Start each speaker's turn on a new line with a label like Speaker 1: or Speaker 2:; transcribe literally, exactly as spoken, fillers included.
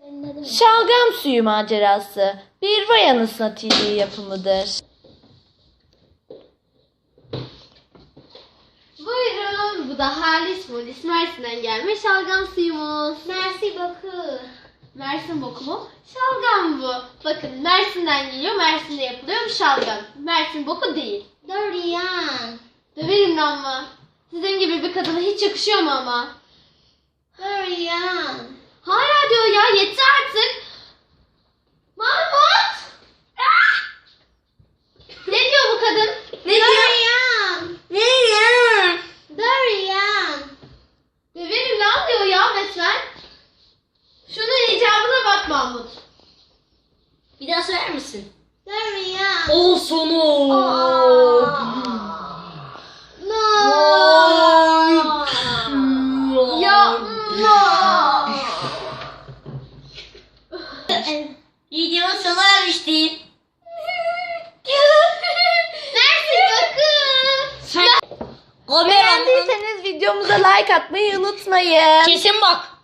Speaker 1: Şalgam suyu macerası bir vay anasına T V yapımıdır.
Speaker 2: Buyurun, bu da Halis Polis Mersin'den gelme şalgam suyumuz.
Speaker 3: Mersi bakı.
Speaker 2: Mersin boku mu? Şalgam bu. Bakın Mersin'den geliyor, Mersin'de yapılıyor bu şalgam. Mersin boku değil.
Speaker 3: Dorian.
Speaker 2: Döverim lan mı? Sizin gibi bir kadına hiç yakışıyor mu ama?
Speaker 3: Dorian.
Speaker 2: Hala diyor ya, yeter artık. Mahmut! Ah! Ne diyor bu kadın?
Speaker 3: Ne Dorian. Ne Dorian. Dorian.
Speaker 2: Döverim lan diyor ya resmen. Şunun icabına bak Mahmut.
Speaker 3: Bir daha söyler misin? Dorian.
Speaker 1: O sonu.
Speaker 3: No.
Speaker 2: Ya
Speaker 3: Videonun sona ermişti.
Speaker 2: Mersin bakın.
Speaker 1: Beğendiyseniz videomuza like atmayı unutmayın.
Speaker 3: Kesin bak.